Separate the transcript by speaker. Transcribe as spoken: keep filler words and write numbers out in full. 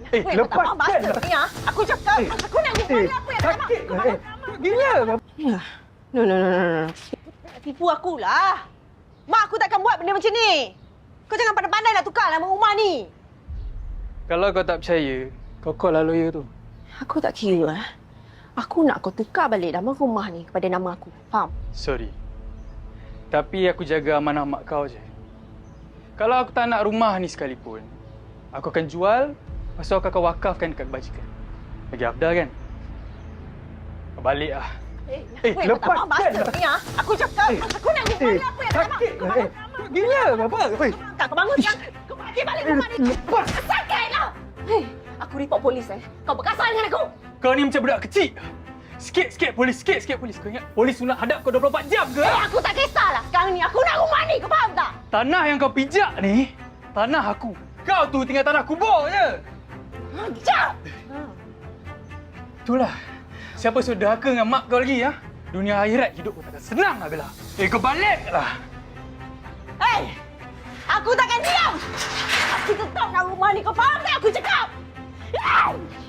Speaker 1: Eh,
Speaker 2: Weh,
Speaker 1: lepaskan
Speaker 2: tak bastard
Speaker 1: lah.
Speaker 2: ni, ha? Aku cakap,
Speaker 1: Eh,
Speaker 2: aku nak rumah
Speaker 1: eh,
Speaker 2: ni apa yang tak nak?
Speaker 1: sakit lah. Eh, gila.
Speaker 2: Ya. No, no, no, no, no. Nak tipu aku lah. Mak aku takkan buat benda macam ni. Kau jangan pandai-pandai nak tukar nama rumah ni.
Speaker 3: Kalau kau tak percaya, kau call lah lawyer tu.
Speaker 2: Aku tak kira. Eh. Aku nak kau tukar balik nama rumah ni kepada nama aku. Faham?
Speaker 3: Sorry. Tapi aku jaga amanah mak kau je. Kalau aku tak nak rumah ni sekalipun, aku akan jual, lepas tu aku akan wakafkan dekat kebajikan. Lagi afdal kan? Kau balik lah.
Speaker 2: Eh,
Speaker 1: Eh,
Speaker 2: weh,
Speaker 1: lepaskan
Speaker 2: tak bastard
Speaker 1: lah.
Speaker 2: ni, ha? Aku cakap,
Speaker 1: Eh,
Speaker 2: aku nak rumah
Speaker 1: Eh,
Speaker 2: ni apa yang tak nak?
Speaker 1: sakit
Speaker 2: Kau
Speaker 1: lah.
Speaker 2: bangun,
Speaker 1: Eh, gila apa? Weh,
Speaker 2: kau bangun sekarang. Kau bagi balik rumah ni.
Speaker 1: lepas.
Speaker 2: Sakitlah. Hei, aku report polis eh. Kau berkasar dengan aku.
Speaker 3: Kau ni macam budak kecil. Sikit-sikit polis, sikit-sikit polis. Kau ingat polis tu nak hadap kau dua puluh empat jam ke?
Speaker 2: Eh, aku tak kisahlah. Sekarang ni aku nak rumah ni. Kau faham tak?
Speaker 3: Tanah yang kau pijak ni, tanah aku. Kau tu tinggal tanah kubur je.
Speaker 2: Jap!
Speaker 3: Itulah. Siapa suruh derhaka dengan mak kau lagi, ha? Dunia akhirat hidup kau takkan senang lah, Bella. Eh, kau baliklah.
Speaker 2: Hei! Aku takkan diam! Aku tetap nak rumah ni. Kau faham tak aku cakap? Hey!